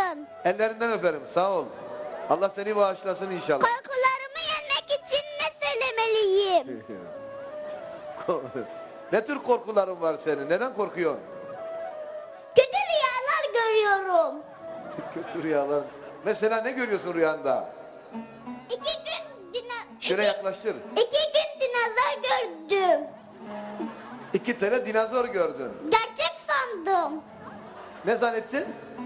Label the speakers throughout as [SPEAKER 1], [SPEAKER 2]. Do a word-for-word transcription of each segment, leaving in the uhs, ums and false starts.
[SPEAKER 1] olsun.
[SPEAKER 2] Ellerinden öperim. Sağ ol. Allah seni bağışlasın inşallah.
[SPEAKER 1] Korkularımı yenmek için ne söylemeliyim?
[SPEAKER 2] Ne tür korkuların var senin? Neden korkuyorsun?
[SPEAKER 1] Kötü rüyalar görüyorum.
[SPEAKER 2] Kötü rüyalar. Mesela ne görüyorsun rüyanda?
[SPEAKER 1] İki gün dina...
[SPEAKER 2] Şöyle
[SPEAKER 1] iki,
[SPEAKER 2] yaklaştır.
[SPEAKER 1] iki gün dinozor gördüm.
[SPEAKER 2] İki tane dinozor gördün.
[SPEAKER 1] Gerçek sandım.
[SPEAKER 2] Ne zannettin?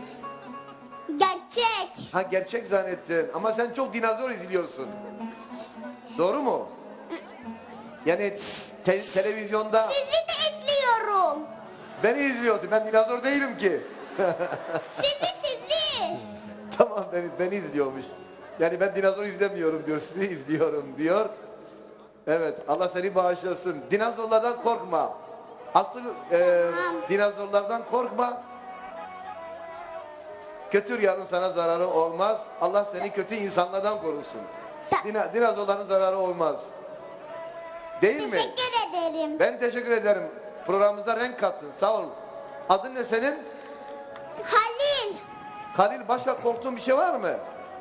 [SPEAKER 1] Gerçek.
[SPEAKER 2] Ha gerçek zannettin. Ama sen çok dinozor izliyorsun. Doğru mu? Yani te- televizyonda
[SPEAKER 1] Sizi de izliyorum.
[SPEAKER 2] beni izliyorsun. Ben dinozor değilim ki.
[SPEAKER 1] Sizi sizi.
[SPEAKER 2] Tamam beni, beni izliyormuş. Yani ben dinozor izlemiyorum diyor. Sizi izliyorum diyor. Evet Allah seni bağışlasın. Dinozorlardan korkma. Asıl e, dinozorlardan korkma. Kötü rüyanın sana zararı olmaz. Allah seni kötü insanlardan korusun. Dina, dinozorların zararı olmaz. Değil mi?
[SPEAKER 1] Teşekkür ederim.
[SPEAKER 2] Ben teşekkür ederim. Programımıza renk kattın. Sağ ol. Adın ne senin?
[SPEAKER 1] Halil.
[SPEAKER 2] Halil, başka korktuğun bir şey var mı?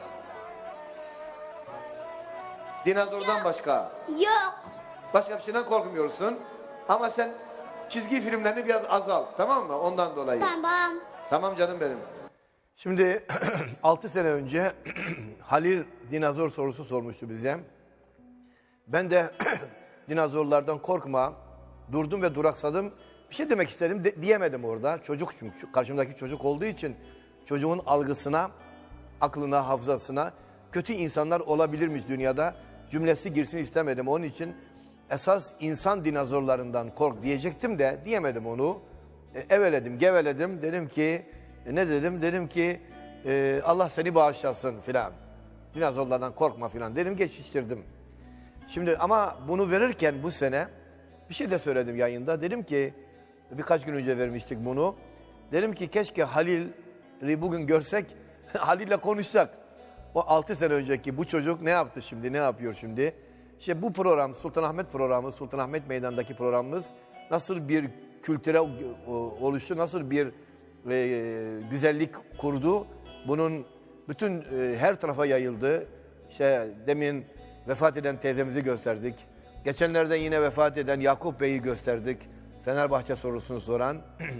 [SPEAKER 2] Dinozordan başka.
[SPEAKER 1] Yok.
[SPEAKER 2] Başka bir şeyden korkmuyorsun. Ama sen çizgi filmlerini biraz azalt. Tamam mı? Ondan dolayı.
[SPEAKER 1] Tamam.
[SPEAKER 2] Tamam canım benim. Şimdi altı sene önce Halil dinozor sorusu sormuştu bize. Ben de dinozorlardan korkma, durdum ve duraksadım. Bir şey demek istedim, de, diyemedim orada. Çocuk çünkü, karşımdaki çocuk olduğu için çocuğun algısına, aklına, hafızasına kötü insanlar olabilirmiş dünyada cümlesi girsin istemedim. Onun için esas insan dinozorlarından kork diyecektim de diyemedim onu. E, eveledim, geveledim. Dedim ki, e, ne dedim? Dedim ki e, Allah seni bağışlasın filan. Dinozorlardan korkma filan. Dedim geçiştirdim. Şimdi ama bunu verirken bu sene bir şey de söyledim yayında. Dedim ki birkaç gün önce vermiştik bunu. Dedim ki keşke Halil'i bugün görsek, Halil'le konuşsak. O altı sene önceki bu çocuk ne yaptı şimdi, ne yapıyor şimdi? İşte bu program, Sultanahmet programı, Sultanahmet Meydanı'ndaki programımız nasıl bir kültüre oluştu, nasıl bir e, güzellik kurdu. Bunun bütün e, her tarafa yayıldı. İşte demin vefat eden teyzemizi gösterdik. Geçenlerde yine vefat eden Yakup Bey'i gösterdik. Fenerbahçe sorusunu soran.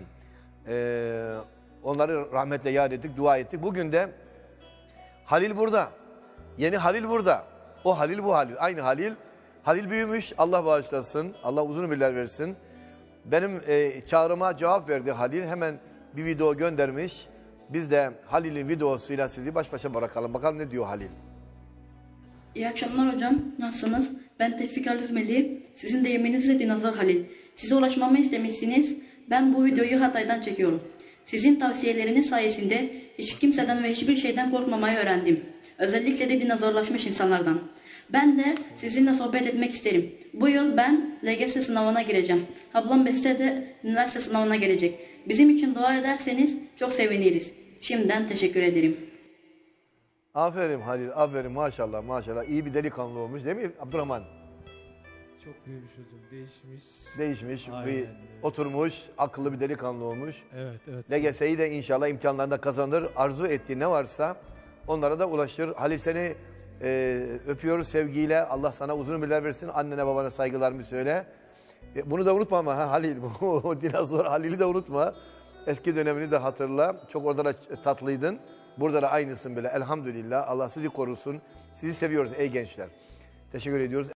[SPEAKER 2] ee, onları rahmetle yad ettik, dua ettik. Bugün de Halil burada. Yeni Halil burada. O Halil bu Halil. Aynı Halil. Halil büyümüş. Allah bağışlasın. Allah uzun ömürler versin. Benim e, çağrıma cevap verdi Halil. Hemen bir video göndermiş. Biz de Halil'in videosuyla sizi baş başa bırakalım. Bakalım ne diyor Halil.
[SPEAKER 3] İyi akşamlar hocam. Nasılsınız? Ben Tevfik Alüzmeli. Sizin de yeminizle Dinozor Halil. Size ulaşmamı istemişsiniz. Ben bu videoyu Hatay'dan çekiyorum. Sizin tavsiyeleriniz sayesinde hiç kimseden ve hiçbir şeyden korkmamayı öğrendim. Özellikle de dinozorlaşmış insanlardan. Ben de sizinle sohbet etmek isterim. Bu yıl ben L G S sınavına gireceğim. Ablam Beste de üniversite sınavına gelecek. Bizim için dua ederseniz çok seviniriz. Şimdiden teşekkür ederim.
[SPEAKER 2] Aferin Halil, aferin maşallah maşallah. İyi bir delikanlı olmuş değil mi Abdurrahman?
[SPEAKER 4] Çok büyümüş hocam, değişmiş.
[SPEAKER 2] Değişmiş,
[SPEAKER 4] Aynen.
[SPEAKER 2] bir oturmuş, akıllı bir delikanlı olmuş.
[SPEAKER 4] Evet, evet.
[SPEAKER 2] L G S'yi de inşallah imtihanlarında kazanır. Arzu ettiği ne varsa onlara da ulaşır. Halil seni e, öpüyoruz sevgiyle. Allah sana uzun ömürler versin. Annene babana saygılarımı söyle. E, bunu da unutma ama ha, Halil. O dinozor Halil'i de unutma. Eski dönemini de hatırla. Çok orada da tatlıydın. Burada da aynısın böyle. Elhamdülillah. Allah sizi korusun. Sizi seviyoruz ey gençler. Teşekkür ediyoruz.